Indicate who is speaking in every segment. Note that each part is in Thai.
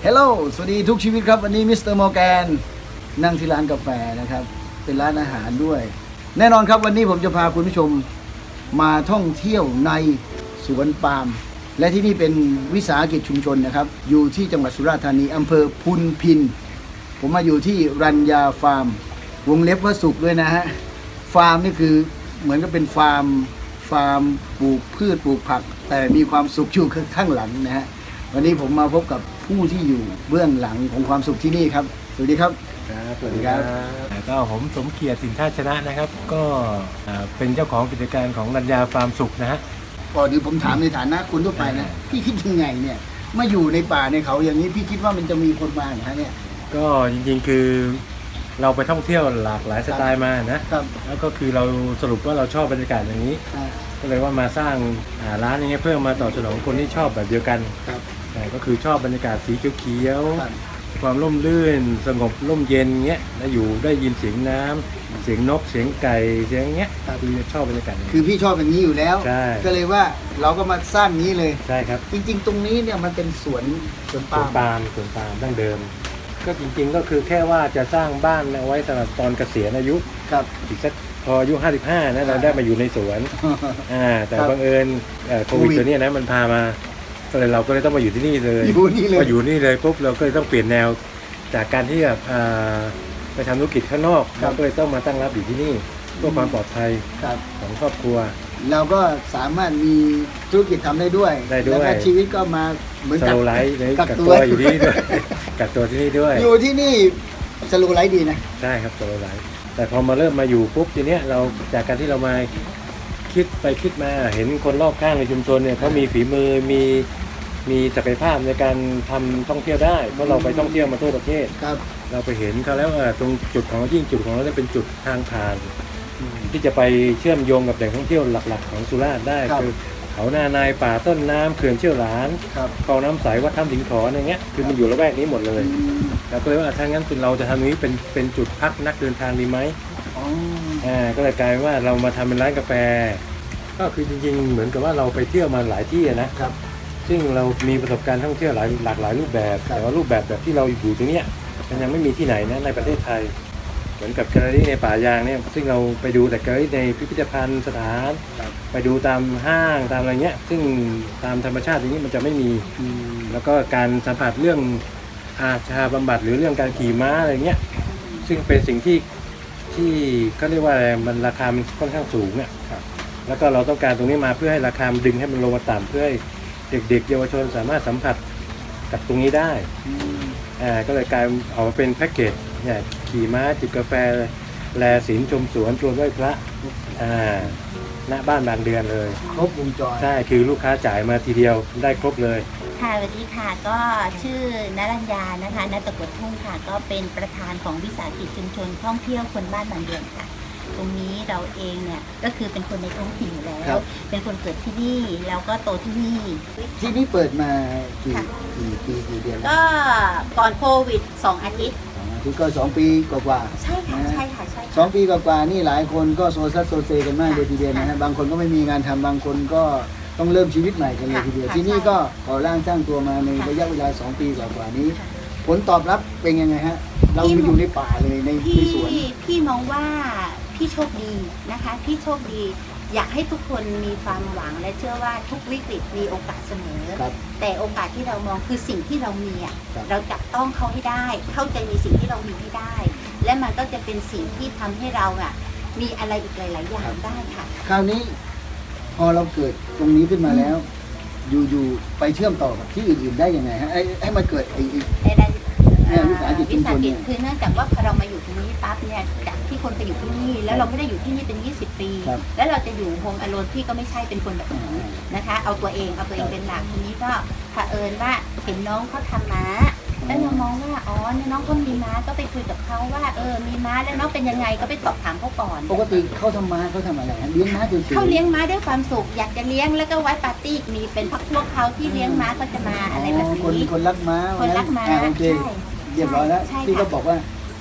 Speaker 1: ฮลโหลสวัสดีทุกชีวิตครับวันนี้มิสเตอร์มอร์แกนนั่งที่ร้านกาแฟนะครับเป็นร้านอาหารด้วยแน่นอนครับวันนี้ผมจะพาคุณผู้ชมมาท่องเที่ยวในสวนปาล์มและที่นี่เป็นวิสาหกิจชุมชนนะครับอยู่ที่จังหวัดสุราษฎร์ธานีอำเภอพุนพินผมมาอยู่ที่รัญญาฟาร์มวงเล็บว่าสุขด้วยนะฮะฟาร์มนี่คือเหมือนกับเป็นฟาร์มปลูกพืชปลูกผักแต่มีความสุขอยู่ข้างหลังนะฮะวันนี้ผมมาพบกับผู้ที่อยู่เบื้องหลังของความสุขที่นี่ครับสวัสดีครับ
Speaker 2: ครับสวัสดีครับก็ผมสมเกียรติสินท่าชนะนะครับก็เป็นเจ้าของกิจการของรัญญาฟาร์มสุขนะฮะ
Speaker 1: ก่อนอื่นผมถามในฐานะคนทั่วไปนะพี่คิดยังไงเนี่ยมาอยู่ในป่าในเขาอย่างนี้พี่คิดว่ามันจะมีคนมาเหรอเนี่ย
Speaker 2: ก็จริงๆคือเราไปท่องเที่ยวหลากหลายสไตล์มานะครับแล้วก็คือเราสรุปว่าเราชอบบรรยากาศอย่างนี้ก็เลยว่ามาสร้างร้านอย่างเงี้ยเพื่อมาตอบสนองคนที่ชอบแบบเดียวกันก็คือชอบบรรยากาศสีเขียวๆความร่มรื่นสงบร่มเย็นเงี้ยแล้วอยู่ได้ยินเสียงน้ำเสียงนกเสียงไก่เสียงเงี้ยคือชอบบรรยากาศ
Speaker 1: คือพี่ชอบอย่างนี้อยู่แล้วก็เลยว่าเราก็มาสร้างนี้เลย
Speaker 2: ใช่ครับ
Speaker 1: จริงๆตรงนี้เนี่ยมันเป็นสวนปาล์ม
Speaker 2: ดั้งเดิมก็จริงๆก็คือแค่ว่าจะสร้างบ้านเอาไว้สำหรับตอนเกษียณอายุอีกสักพออายุ55นะเราได้มาอยู่ในสวนแต่บังเอิญโควิดตัวนี้นะมันพามาก็เลยเราก็เลยต้องมาอยู่ที่นี่เลยพออยู่นี่เลยปุ๊บเราก็เลยต้องเปลี่ยนแนวจากการที่แบบไปทำธุรกิจข้างนอกเราก็เลยต้องมาตั้งรับอยู่ที่นี่เพื่อความปลอดภัยของครอบครัว
Speaker 1: เราก็สามารถมีธุรกิจทำได้ด้วยแล้วก็ชีวิตก็มาเหมือนกับ
Speaker 2: กักตัวอยู่ที่นี่ด้วยกักตัวที่นี่ด้วย
Speaker 1: อยู่ที่นี่สโลไลฟ์ดีนะ
Speaker 2: ใช่ครับสโลไลฟ์แต่พอมาเริ่มมาอยู่ปุ๊บทีเนี้ยเราจากการที่เรามาคิดไปคิดมาเห็นคนรอบข้างในชุมชนเนี่ยเขามีฝีมือมีศักยภาพในการทำท่องเที่ยวได้เพราะเราไปท่องเที่ยวมาทั่วประเทศเราไปเห็นเขาแล้วตรงจุดของยิ่งจุดของเราเป็นจุดทางผ่านที่จะไปเชื่อมโยงกับแหล่งท่องเที่ยวหลักๆของสุราษฎร์ได้คือเขาหน้านายป่าต้นน้ำเขื่อนเชี่ยวหลานคลองน้ำใสวัดถ้ำสิงขออะไรเงี้ยคือมันอยู่ละแวกนี้หมดเลยแล้วก็เลยว่าถ้างั้นเราจะทำนี้เป็นจุดพักนักเดินทางดีไหมก็เลยกลายว่าเรามาทำเป็นร้านกาแฟก็คือจริงๆเหมือนกับว่าเราไปเที่ยวมาหลายที่นะครับซึ่งเรามีประสบการณ์ท่องเที่ยวหลากหลายรูปแบบแต่ว่ารูปแบบที่เราอยู่ตรงเนี้ยมันยังไม่มีที่ไหนนะในประเทศไทยเหมือนกับแกลเลอรี่ในป่ายางเนี่ยซึ่งเราไปดูแต่แกลเลอรี่ในพิพิธภัณฑ์สถานไปดูตามห้างตามอะไรเงี้ยซึ่งตามธรรมชาติอย่างนี้มันจะไม่มีแล้วก็การสัมผัสเรื่องอาชาบำบัดหรือเรื่องการขี่ม้าอะไรเงี้ยซึ่งเป็นสิ่งที่เขาเรียกว่าอะไรมันราคามันค่อนข้างสูงเนี่ยแล้วก็เราต้องการตรงนี้มาเพื่อให้ราคาดึงให้มันลงมาต่ำเพื่อให้เด็กๆเยาวชนสามารถสัมผัสกับตรงนี้ได้ก็เลยกลายออกมาเป็นแพ็กเกจเนี่ยขี่ม้าจิบกาแฟแลศีลชมสวนชวนไหว้พระณบ้านบางเดือนเลย
Speaker 1: ครบวงจร
Speaker 2: ใช่คือลูกค้าจ่ายมาทีเดียวได้ครบเลย
Speaker 3: ค่ะสวัสดีค่ะก็ชื่อนรัญญานะคะณตะกดทุ่งค่ะก็เป็นประธานของวิสาหกิจชุมชนท่องเที่ยวคนบ้านบางเดือนค่ะตรงนี้เราเองเนี่ยก็คือเป็นคนในท้องถิ่นอยู่แล้วเป็นคนเกิดที่นี่แล้วก็โตที่นี่
Speaker 1: ที่นี่เปิดมากี่ปีกี่เดือน
Speaker 3: ก็ก่อนโควิด2 อาทิตย์
Speaker 1: ที่ก็2 ปีกว่า
Speaker 3: ใช่ค่ะใช่ค่ะใช่
Speaker 1: 2 ปีกว่านี่หลายคนก็โซซัสโซเซกันมากเลยทีเดียวนะฮะบางคนก็ไม่มีงานทำบางคนก็ต้องเริ่มชีวิตใหม่กันเลยทีเดียวที่นี่ก็ก่อร่างสร้างตัวมาในระยะเวลา2 ปีกว่านี้ผลตอบรับเป็นยังไงฮะเราอยู่ในป่าเลยในสวน
Speaker 3: พี่มองว่าพี่โชคดีนะคะพี่โชคดีอยากให้ทุกคนมีความหวังและเชื่อว่าทุกวิกฤตมีโอกาสเสมอแต่โอกาสที่เรามองคือสิ่งที่เรามีเราจับต้องเขาให้ได้เข้าใจในสิ่งที่เรามีให้ได้และมันก็จะเป็นสิ่งที่ทำให้เรามีอะไรอีกหลายๆอย่างได้ค่ะ
Speaker 1: คราวนี้พอเราเกิดตรงนี้ขึ้นมาแล้วอยู่ไปเชื่อมต่อกับที่อื่นๆได้ยังไงฮะให้มันเกิดวิสาหกิจชุมชนเนี่ย
Speaker 3: คือเนื่องจากว่าพอเรามาอยู่ตรงนี้ปั๊บเนี่ยจากที่คนไปอยู่ที่นี่แล้วเราไม่ได้อยู่ที่นี่เป็น20 ปีแล้วเราจะอยู่โฮมอโลนพี่ก็ไม่ใช่เป็นคนแบบนั้นนะคะเอาตัวเองเป็นหลักทีนี้ก็เผอิญว่าเห็นน้องเขาทำม้าแล้วเรามองว่าอ๋อน้องเขามีม้าก็ไปคุยกับเขาว่ามีม้าแล้วน้องเป็นยังไงก็ไปสอบถามเขาก่อน
Speaker 1: ปกติเขาทำม้าเขาทำอะไรเลี้ยงม้าเฉยๆ
Speaker 3: เขาเลี้ยงม้าด้วยความสุขอยากจะเลี้ยงแล้วก็ไว้ปาร์ตี้มีเป็นพวกเขาที่เลี้ยงม้าก็จะมาอะไรแบบนี้
Speaker 1: คนรักม้า
Speaker 3: คนรักม้า
Speaker 1: โอเคเรียบร้อยแล้วที่ก็บอกว่า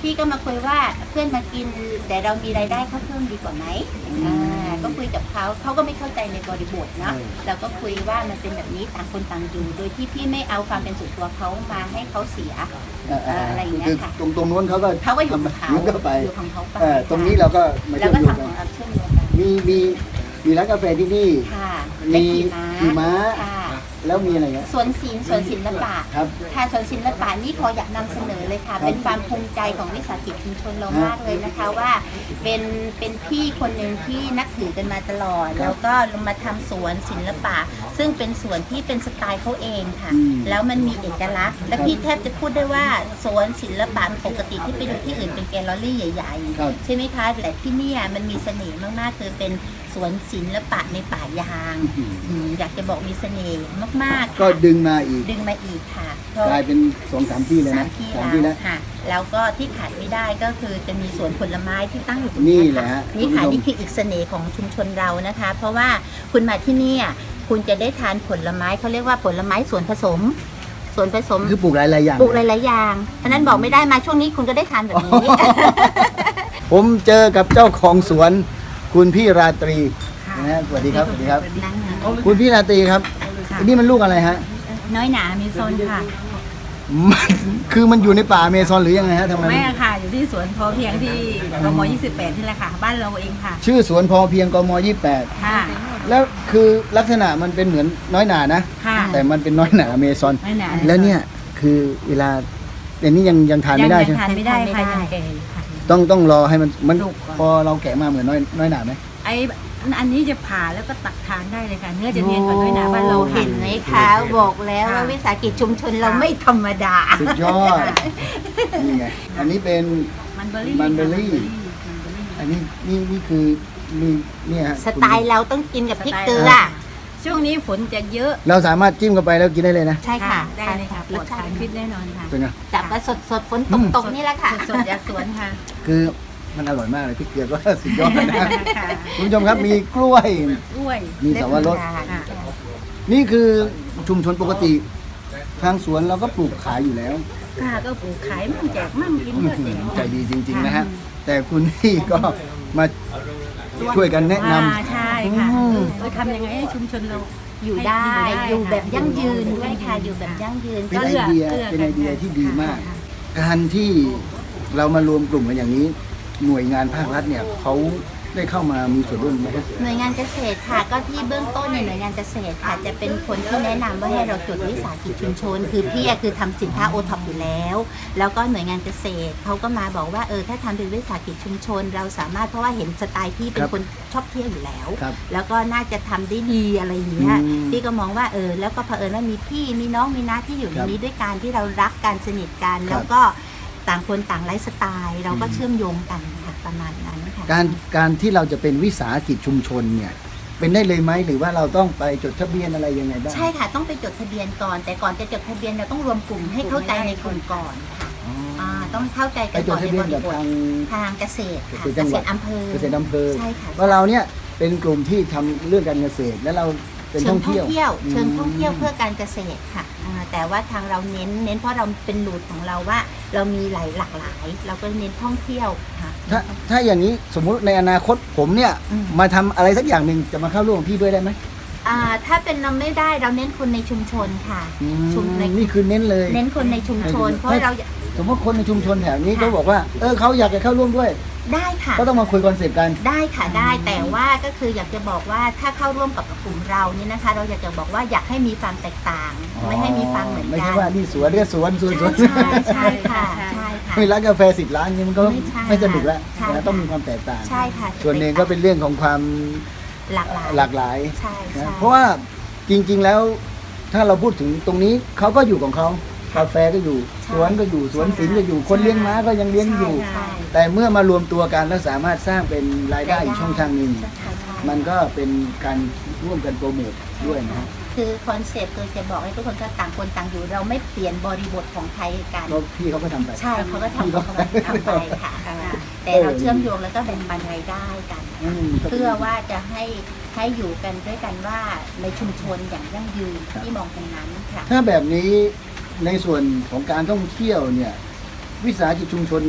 Speaker 3: พี่ก็มาคุยว่าเพื่อนมากินแต่เรามีรายได้เขาเพิ่มดีกว่าไหมก็คุยกับเขาก็ไม่เข้าใจในบริบทเนาะเราก็คุยว่ามันเป็นแบบนี้ต่างคนต่างอยู่โดยที่พี่ไม่เอาความเป็นส่วนตัวเขามาให้เขาเสียอะไรอย่างเงี้ยค่ะ
Speaker 1: ตรงนู้นเขาก็
Speaker 3: อยู่ของเขา
Speaker 1: ก็ไป
Speaker 3: อยู่ของเขาไป
Speaker 1: ตรงนี้เราก็มา
Speaker 3: แล้ว
Speaker 1: เชื่อม
Speaker 3: ก็
Speaker 1: โยง
Speaker 3: ทำข
Speaker 1: กั
Speaker 3: อน งเราเชื่อมโยงกัน
Speaker 1: มีร้านกาแฟที่นี่
Speaker 3: ค่ะ
Speaker 1: มีขี่
Speaker 3: ขี่
Speaker 1: ม้า
Speaker 3: ค่ะ
Speaker 1: แล้วมีอะไรเงี้ย
Speaker 3: สวนศิลปะ
Speaker 1: ครับ
Speaker 3: ค่ะสวนศิลปะนี่ขออยากนำเสนอเลยค่ะ
Speaker 1: ครับ
Speaker 3: เป็นความภูมิใจของวิสาหกิจชุมชนเรามากเลยนะคะว่าเป็นพี่คนหนึ่งที่นับถือกันมาตลอด แล้วก็มาทำสวนศิลปะ ซึ่งเป็นสวนที่เป็นสไตล์เขาเองค่ะ แล้วมันมีเอกลักษณ์ และพี่แทบจะพูดได้ว่าสวนศิลปะปกติที่ไปดูที่อื่นเป็นแกลเลอรี่ใหญ่
Speaker 1: ครับ
Speaker 3: ๆใช่ไหมคะแต่ที่เนี่ยมันมีเสน่ห์มากๆคือเป็นสวนศิลปะในป่ายางอยากจะบอกมีเสน่ห์มากๆ
Speaker 1: ก็
Speaker 3: ค่ะ
Speaker 1: ดึงมาอีก
Speaker 3: ดึงมาอีกค่ะ
Speaker 1: กลายเป็น2-3 ที่เลย
Speaker 3: สา
Speaker 1: นะ
Speaker 3: มที่
Speaker 1: สามที่
Speaker 3: แล้
Speaker 1: แล้ว ว
Speaker 3: ค่ะ แล้วก็ที่ขาดไม่ได้ก็คือจะมีสวนผลไม้ที่ตั้งอยู่ตรง
Speaker 1: นี่
Speaker 3: นี้
Speaker 1: แหละ
Speaker 3: ค่ะ
Speaker 1: ฮะ
Speaker 3: นี่ค่ะ
Speaker 1: คุณผู้ชม
Speaker 3: นี่คืออีกเสน่ห์ของชุมชนเรานะคะ เพราะว่าคุณมาที่นี่คุณจะได้ทานผลไม้เขาเรียกว่าผลไม้สวนผสม
Speaker 1: คือปลูกหลายๆอย่าง
Speaker 3: ปลูกหลายๆอย่างอันนั้นบอกไม่ได้มาช่วงนี้คุณก็ได้ทานแบบนี้
Speaker 1: ผมเจอกับเจ้าของสวนคุณพี่ราตรีนะฮะสวัสดีครับสวัสดีครับ คุณพี่ราตรีครับอันนี้มันลูกอะไรฮะ
Speaker 4: น้อยหนามีโซนค่ะ
Speaker 1: คือมันอยู่ในป่าอเมซอนหรือยังไงฮะทำไม
Speaker 4: ไม่อะค่ะ อยู่ที่สวนพอเพียงที่กม28นี่แหละค่ะ บ้านเราเองค่ะ
Speaker 1: ชื่อสวนพอเพียงกม
Speaker 4: ค่ะ
Speaker 1: 28แล้วคือลักษณะมันเป็นเหมือนน้อยหนานะ
Speaker 4: ค่ะ
Speaker 1: แต่มันเป็นน้อยหนาอเมซอน
Speaker 4: น้อยหนา
Speaker 1: แล้วเนี่ยคือเวลาแต่นี่ยังทานไม่ได้ใช่ไหม
Speaker 4: ทานไม่ได้ค่ะยังแก่อยู่ค่ะ
Speaker 1: ต้องรอให้มัน
Speaker 4: สุกก่อน
Speaker 1: พอเราแกะมาเหมือนน้อยหนาไหม
Speaker 4: อันนี้จะผ่าแล้วก็ตักทานได้เลยค่ะ เนื้อจะเนียนกว่าน้อยหนาบ้านเราค่ะ
Speaker 3: เห็นไหมคะบอกแล้วว่าวิสาหกิจชุมชนเราไม่ธรรมดา
Speaker 1: สุดยอดนี่ไงอันนี้เป็น
Speaker 4: มันเบอร์รี่
Speaker 1: มันเบอร์รี่ อันนี้นี่คือมีเนี่ยฮะ
Speaker 3: สไตล์เราต้องกินกับพริกเกลือ
Speaker 4: ช่วงนี้ฝนจะเยอะ
Speaker 1: เราสามารถจิ้มเข้าไปแล้วกินได้เลยนะ
Speaker 3: ใช่ค่ะ
Speaker 4: ได้เลยค่ะปลอดสารพิษแน่นอนค่ะ
Speaker 1: เป็นไง
Speaker 3: จับมาสดๆฝนตกๆนี่แหละค่ะ
Speaker 4: สดๆจากสวนค่ะ
Speaker 1: คือมันอร่อยมากเลยพริกเกลือก็ สุดยอดนะ
Speaker 4: ค่ะ
Speaker 1: คุณผู้ชมครับมีกล้วย
Speaker 4: กล้วย
Speaker 1: มีสับปะรด
Speaker 4: ค่ะ
Speaker 1: นี่คือชุมชนปกติ ทางสวนเราก็ปลูกขายอยู่แล้ว
Speaker 4: ค่ะก็ปลูกขายมั่งแจกมั่งกินก็แจก
Speaker 1: ใจดีจริง ๆ นะฮะ แต่คุณพี่ก็มาช่วยกันแนะนำ
Speaker 4: ใช่ค่ะ
Speaker 1: อืม
Speaker 4: ทำยังไงให้ชุมชนเรา
Speaker 3: อยู่ได้อยู่แบบยั่งยืนด้วยค่ะอยู่แบบยั่งยืน
Speaker 1: เป็น
Speaker 3: ก็
Speaker 1: ไอเดียเป็นไอเดียที่ดีมาก การที่เรามารวมกลุ่มกันอย่างนี้ หน่วยงานภาครัฐเนี่ยเขาได้เข้ามามีส่วนร่วมไหมครับ
Speaker 3: หน่วยงานเกษตรค่ะ ก็ที่เบื้องต้นเนี่ยหน่วยงานเกษตรค่ะจะเป็นคนที่แนะนำว่าให้เราจดวิสาหกิจชุมชน คือพี่อะคือทำสินค้าโอท็อปอยู่แล้ว แล้วก็หน่วยงานเกษตรเขาก็มาบอกว่าถ้าทำเป็นวิสาหกิจชุมชน เราสามารถเพราะว่าเห็นสไตล์พี่เป็นคนชอบเที่ยวอยู่แล้ว
Speaker 1: ครับ
Speaker 3: แล้วก็น่าจะทำได้ดีอะไรอย่างเงี้ย
Speaker 1: อืม
Speaker 3: พี่ก็มองว่าแล้วก็เผอิญว่ามีพี่มีน้องมีน้าที่อยู่ในนี้ด้วยกันที่เรารักกันสนิทกัน
Speaker 1: ครับ
Speaker 3: แล้วก็ต่างคนต่างไลฟ์สไตล์ เราก็เชื่อมโยงกันค่ะประมาณนั้นค่ะ
Speaker 1: การที่เราจะเป็นวิสาหกิจชุมชนเนี่ยเป็นได้เลยไหมหรือว่าเราต้องไปจดทะเบียนอะไรยังไงบ้าง
Speaker 3: ใช่ค่ะต้องไปจดทะเบียนก่อน แต่ก่อนจะจดทะเบียนเราต้องรวมกลุ่มให้เข้าใจในกลุ่มก่อนค่ะ
Speaker 1: อ๋อ
Speaker 3: ต้องเข้าใจ
Speaker 1: ไป
Speaker 3: กัน
Speaker 1: จ
Speaker 3: ก่
Speaker 1: ด
Speaker 3: อน
Speaker 1: ทะ
Speaker 3: ใน
Speaker 1: เบีย
Speaker 3: บ
Speaker 1: น
Speaker 3: ริ
Speaker 1: กับบ
Speaker 3: ท
Speaker 1: ทาง
Speaker 3: เกษตรค่ะ
Speaker 1: เกษตรจังหวัด
Speaker 3: อำเภอ
Speaker 1: เกษตรอำเภอ
Speaker 3: ใช่ค่ะ
Speaker 1: ว่าเราเนี่ยเป็นกลุ่มที่ทำเรื่องการเกษตร และเราเป็น
Speaker 3: เชิ
Speaker 1: ท่
Speaker 3: ง
Speaker 1: อง
Speaker 3: ท่อง
Speaker 1: เที่ยว
Speaker 3: เที่ยวเชิงท่องเที่ยว
Speaker 1: ม
Speaker 3: เพื่อการเกษตรค่ะแต่ว่าทางเราเน้นเพราะเราเป็นรูทของเราว่า เรามีหลากหลาย เราก็เน้นท่องเที่ยวค่ะ
Speaker 1: ถ้าอย่างนี้สมมุติในอนาคตผมเนี่ย
Speaker 3: อืม
Speaker 1: มาทำอะไรสักอย่างหนึ่งจะมาเข้าร่วมกับพี่ด้วยได้ไหม
Speaker 3: ถ้าเป็นเราไม่ได้เราเน้นคนในชุมชนค่ะ ชุมใน
Speaker 1: นี่คือเน้นเลย
Speaker 3: เน้นคนในชุมชน เพราะเรา
Speaker 1: สมมติคนในชุมชนแถวนี้
Speaker 3: ค่ะ
Speaker 1: เขาบอกว่าเขาอยากจะเข้าร่วมด้วย
Speaker 3: ได้ค่ะ
Speaker 1: ก็ต้องมาคุยคอนเซ็ปต์กัน
Speaker 3: ได้ค่ะได้แต่ว่าก็คืออยากจะบอกว่าถ้าเข้าร่วมกับกลุ่มเรานี่นะคะ เราอยากจะบอกว่าอยากให้มีความแตกต่าง ไม่ให้มีความเหมือน
Speaker 1: ไม่
Speaker 3: กั
Speaker 1: ใช่
Speaker 3: น
Speaker 1: ว่านี่สวนเรียกสวน
Speaker 3: ใช่ค่ะใช่ค่ะ
Speaker 1: มีร้านกาแฟ10 ร้านนี่มันก็
Speaker 3: ไม่ใช่
Speaker 1: ไม่สนุกแล้ว
Speaker 3: ใช่
Speaker 1: นะต้องมีความแตกต่าง
Speaker 3: ใช่ค่ะ
Speaker 1: ส่วนหนึ่งก็เป็นเรื่องของความ
Speaker 3: หลากหลาย
Speaker 1: หลากหลาย
Speaker 3: ใช่
Speaker 1: นะ
Speaker 3: ใช่
Speaker 1: เพราะว่าจริงๆแล้วถ้าเราพูดถึงตรงนี้เขาก็อยู่ของเขากาแฟก็อยู่สวนก็อยู่สวนศิลป์ก็อยู่คนเลี้ยงม้าก็ยังเลี้ยงอยู่
Speaker 3: ใช่
Speaker 1: แต่เมื่อมารวมตัวกันแล้วสามารถสร้างเป็นรายได้อีกช่องทางหนึ่ง
Speaker 3: ใช่ใช่ใช่
Speaker 1: มันก็เป็นการร่วมกันโปรโมทด้วยนะ
Speaker 3: คือคอนเซ็ปต์คือจะบอกให้ทุกคนก็ต่างคนต่างอยู่ เราไม่เปลี่ยนบริบทของไทยกัน
Speaker 1: ก็พี่เขาก็ทำไป
Speaker 3: ใช่เขาก็ทำเขาก็ทำไปค่ะแต่เราเชื่อมโยงแล้วก็แบ่งปันรายได้กัน เพื่อว่าจะให้อยู่กันด้วยกันว่าในชุมชนอย่างยั่งยืนที่มองตรงนั้นค่ะ
Speaker 1: ถ้าแบบนี้ในส่วนของการท่องเที่ยวเนี่ยวิสาหกิจชุมชน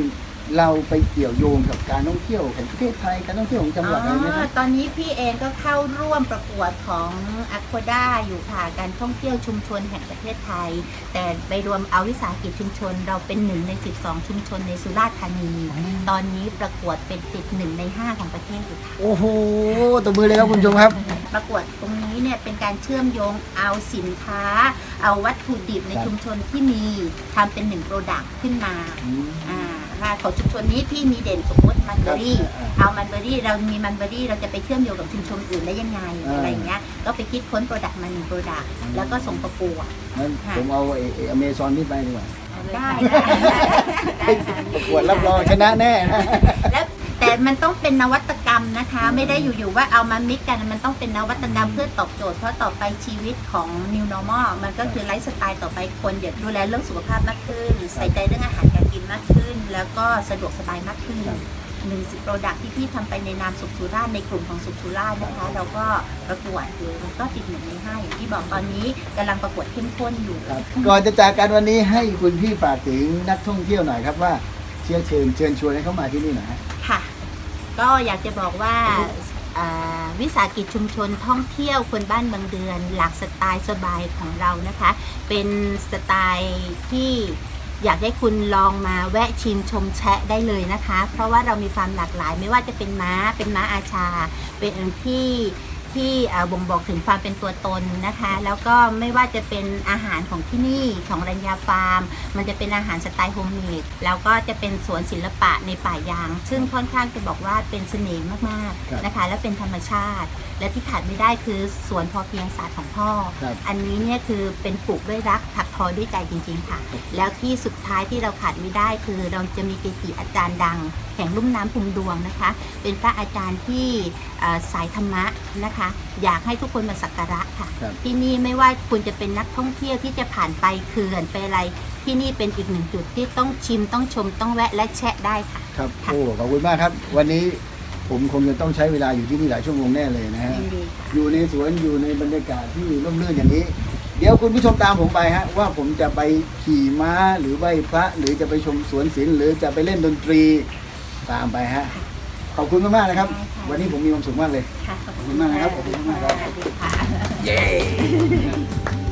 Speaker 1: เราไปเกี่ยวโยงกับการท่องเที่ยวของประเทศไทยการท่องเที่ยวของจังหวัดอะไรไหมครับ
Speaker 3: ตอนนี้พี่เองก็เข้าร่วมประกวดของอ q ควด้าอยู่ค่ะการท่องเที่ยวชุมชนแห่งประเทศไทย แต่ไปรวมเอาวิสาหกิจชุมชนเราเป็น1 ใน 12 ชุมชนในสุราษฎร์ธานี ตอนนี้ประกวดเป็นติด1 ใน 5ของประเทศอยู่ค่ะ
Speaker 1: โอ้โหตบมือเลยครับคุณผู้ชมครับ
Speaker 3: ประกวดตรงนี้เนี่ยเป็นการเชื่อมโยงเอาสินค้า เอาวัตถุดิบใน
Speaker 1: ครับ
Speaker 3: ชุมชนที่มีทำเป็น1 โปรดักต์ขึ้นมา ค่ะของชุมชนนี้พี่มีเด่นสมมติมันเบอรี่ เอามันเบอรี่เรามีมันเบอรี่เราจะไปเชื่อมโยงกับชุมชนอื่นได้ยังไงอะไรอย่างเงี้ยก็ไปคิดค้นโปรดักต์มา1 โปรดักต์แล้วก็ส่งประกวด
Speaker 1: งั้นผมเอาอเมซอนนี่ไปดีกว่า
Speaker 3: ได้
Speaker 1: ประกวดรับรองชนะแน่นะ
Speaker 3: แล้วแต่มันต้องเป็นนวัตกรรมนะคะ ไม่ได้อยู่ๆว่าเอามามิกกันมันต้องเป็นนวัตกรรมเพื่อตอบโจทย์เพราะต่อไปชีวิตของ New Normal มันก็คือไลฟ์สไตล์ต่อไปคนอยากดูแลเรื่องสุขภาพมากขึ้นใส่ใจเรื่องอาหารการกินมากขึ้น แล้วก็สะดวกสบายมากขึ้น10 โปรดักต์ที่พี่ทำไปในนามสุขสุราษฎร์ในกลุ่มของสุขสุราษฎร์นะคะเราก็ประกวดคือมันก็ติด1 ใน 5อย่างที่บอกตอนนี้กำลังประกวดเข้มข้นอยู่
Speaker 1: ครับก่อนจะจากกันวันนี้ให้คุณพี่ฝากถึงนักท่องเที่ยวหน่อยครับว่าเชิญชวนให้เขามาที่นี่หน่อยฮะ
Speaker 3: ค่ะ ก็อยากจะบอกว่าวิสาหกิจชุมชนท่องเที่ยวคนบ้านบางเดือนหลากสไตล์สบายของเรานะคะ เป็นสไตล์ที่อยากให้คุณลองมาแวะชิมชมแชะได้เลยนะคะ เพราะว่าเรามีความหลากหลายไม่ว่าจะเป็นม้าอาชา เป็นที่บ่งบอกถึงความเป็นตัวตนนะคะ แล้วก็ไม่ว่าจะเป็นอาหารของที่นี่ของรัญญาฟาร์ม มันจะเป็นอาหารสไตล์โฮมเมดแล้วก็จะเป็นสวนศิลปะในป่ายาง ซึ่งค่อนข้างจะบอกว่าเป็นเสน่ห์มาก
Speaker 1: ครับ
Speaker 3: ๆนะคะและเป็นธรรมชาติ และที่ขาดไม่ได้คือสวนพอเพียงศาสตร์ของพ่อ
Speaker 1: ครับ
Speaker 3: อันนี้เนี่ยคือเป็นปลูกด้วยรักถักทอด้วยใจจริงๆค่ะ แล้วที่สุดท้ายที่เราขาดไม่ได้คือเราจะมีเกจิอาจารย์ดัง แห่งลุ่มน้ำพุมดวงนะคะ เป็นพระอาจารย์ที่สายธรรมะนะคะ อยากให้ทุกคนมาสักการะค่ะ
Speaker 1: ครับ
Speaker 3: ที่นี่ไม่ว่าคุณจะเป็นนักท่องเที่ยวที่จะผ่านไปเขื่อนไปอะไร ที่นี่เป็นอีก1 จุดที่ต้องชิมต้องชมต้องแวะและแชะได้ค่ะ
Speaker 1: ครับ
Speaker 3: ค่ะ
Speaker 1: โอ้ขอบคุณมากครับ วันนี้ผมคงจะต้องใช้เวลาอยู่ที่นี่หลายชั่วโมงแน่เลยนะฮะ
Speaker 3: ยินดีค่ะ
Speaker 1: อยู่ในสวนอยู่ในบรรยากาศที่ร่มรื่นอย่างนี้ เดี๋ยวคุณผู้ชมตามผมไปฮะว่าผมจะไปขี่ม้าหรือไหว้พระหรือจะไปชมสวนศิลป์หรือจะไปเล่นดนตรีตามไปฮะขอบคุณมากๆนะครับ
Speaker 3: ได้ค่ะ
Speaker 1: วันนี้ผมมีความสุขมากเลย
Speaker 3: ค่ะ
Speaker 1: ขอบคุณมากนะครับขอบคุณมากครับ
Speaker 3: สวัสดีค่ะ
Speaker 1: เย้